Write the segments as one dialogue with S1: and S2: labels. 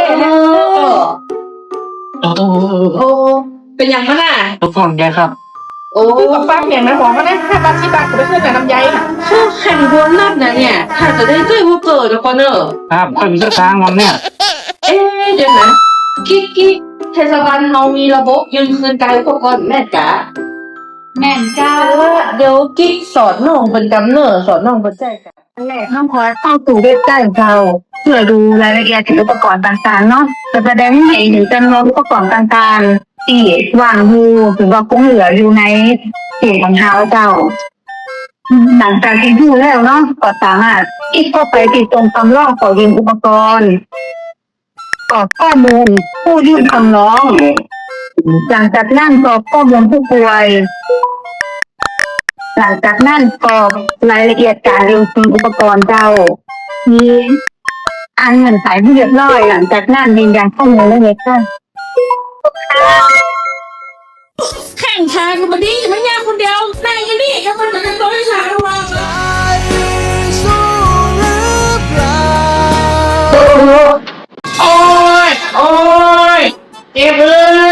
S1: โอ้
S2: โอ้เป็นอย่างนั้นน่ะ
S1: ทุกคนแกครับ
S2: โอ้ป้าเปลี่ยนนะบอกก็ได้5 บาท 10 บาทก็ไปซื้อแต่น้ำใยค่ะแข่งรวมนัดนะเนี่ยถ้าจะได้ใจว่าเกิดแล้วก็เนอะ
S1: ครับค่อยมีสักทางวันเนี่ย
S2: เดี๋ยวนะกิ๊กเทศบาลเรามีระบบยืนคืนกายอุปกรณ์แม่จ๋า
S3: แม่นเจ้า
S2: เดี๋ยวกิ๊กสอนน้องเป็นกำเนิดสอนน้องเป็นใจกัน
S3: แรกน้องขอเข้าสู่เว็บไซต์เราเพื่อดูรายละเอียดถึงอุปกรณ์ต่างๆเนาะจะแสดงให้เห็นถึงจำนวนอุปกรณ์ต่างๆที่วางอยู่หรือว่าคงเหลืออยู่ในเสียของเท้าเจ้าหลังจากที่ดูแล้วเนาะก็สามารถคลิกเข้าไปที่ตรงคำร้องขอยืมอุปกรณ์กรอกข้อมูลผู้ยื่นคำร้องหลังจากนั้นกรอกข้อมูลผู้ป่วยหลังจากนั้นกรอกรายละเอียดการยืมอุปกรณ์เจ้ามีอ่านเงื่อนไขให้เรียบร้อยหลังจากนั้นยืนยันข้อมูลแล้วค่ะ
S2: แข่งทางกันมาดิไม่ยากคนเดียวนายยังนี่ยังมันจะต้องช้าว่าโอ้ยเจ็บเลย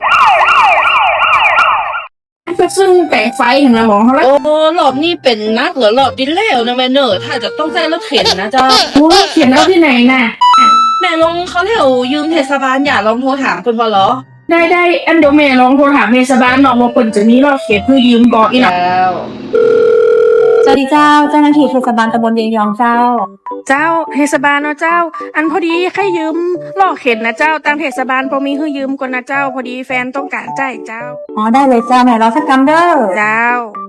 S2: ก็ซึ่งแปลงไฟเห็นไหมหมอเขาแล้วโอ้หลอบนี่เป็นนักเหรอหลอบดินแล้วนะแม่เนอถ้าจะต้องใช้รถเข็นนะเจ้าเข็นแล้วที่ไหนน่ะแม่ลงเขาเรียกยืมเทศบาลอย่าลองโทรถามคนพอเหรอได้อันเดี๋ยวแม่ลองโทรถามเทศบาลหน่อยว่าคนจะมีรถเข็นเพื่อยืมก่อนอีกแล้ว
S3: สวัสดีเจ้าเจ้าหน้าที่เทศบาลตำบลเวียงยองเจ้า
S2: เทศบาลเนาะเจ้าอันพอดีใครยืมล่อเข็นนะเจ้าตามเทศบาลพอมีให้ยืมก่อนนะเจ้าพอดีแฟนต้องการจ่ายเจ้า
S3: อ๋อได้เลยเจ้าแม่รอสักคำเด้อ
S2: เจ้า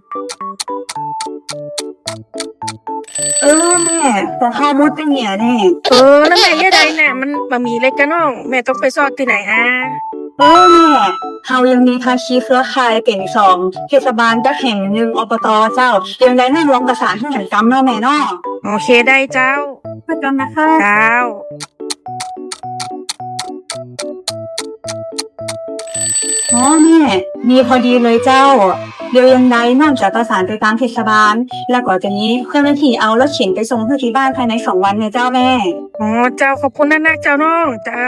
S3: แม่แต่ข้าวมุดเป็นเนี่ยแน่
S2: แล้วแม่ยังไงน่ะมันบะหมี่เล็กกันน้องแม่ต้องไปซอดที่ไหน
S3: แม่เรายังมีภาคีเครือข่ายเป็น2เทศบาลจะแห่ง1อบตเจ้ายังได้นั่งร้องประสานให้หันกรรมเนาะแม่เนาะ
S2: โอเคได้เจ้า
S3: ประจำนะคะ
S2: เจ้า
S3: แม่มีพอดีเลยเจ้าเดี๋ยวยังไงน่าจะประสานไปตามเทศบาลแล้วก็จะนี้เพื่อนหน้าที่เอารถเข็นไปส่งที่บ้านภายใน2 วันเนี่ยเจ้าแม่
S2: เจ้าขอบคุณนักเจ้าน้องเจ้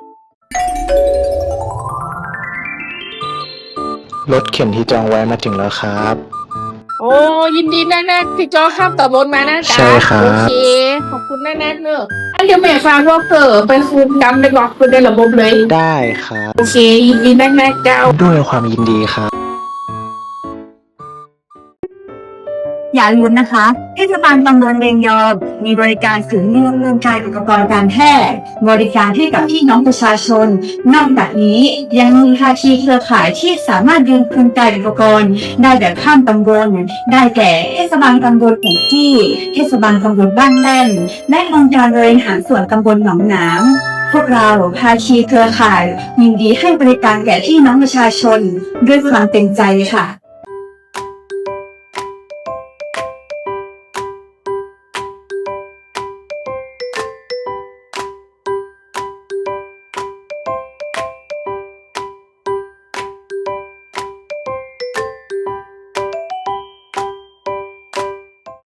S1: ารถเข็นที่จองไว้มาถึงแล้วครับ
S2: โอ้ยินดีนักที่จองข้ามต่อบนมานะจ๊ะ
S1: ใช่ครับ
S2: โอเคขอบคุณนักเนอะอันเดี๋ยวแม่ฟังว่าไปคืนกรรมได้บอกคุณได้ระบบเลย
S1: ได้ครับ
S2: โอเคยินดีนักเจ้า
S1: ด้วยความยินดีครับ
S3: อย่าลืมนะคะเทศบาลตำบลเวียงยองมีบริการศูนย์เงินจ่ายอุปกรณ์การแพทย์บริการให้กับพี่น้องประชาชนนอกจากนี้ยังมีภาคีเครือข่ายที่สามารถยืมคืนจ่ายอุปกรณ์ได้แบบข้ามตำบลได้แก่เทศบาลตำบลหัวจี้เทศบาลตำบลบ้านแล่นและองค์การบริหารส่วนตำบลหนองหนามพวกเราภาคีเครือข่ายยินดีให้บริการแก่พี่น้องประชาชนด้วยความเต็มใจค่ะ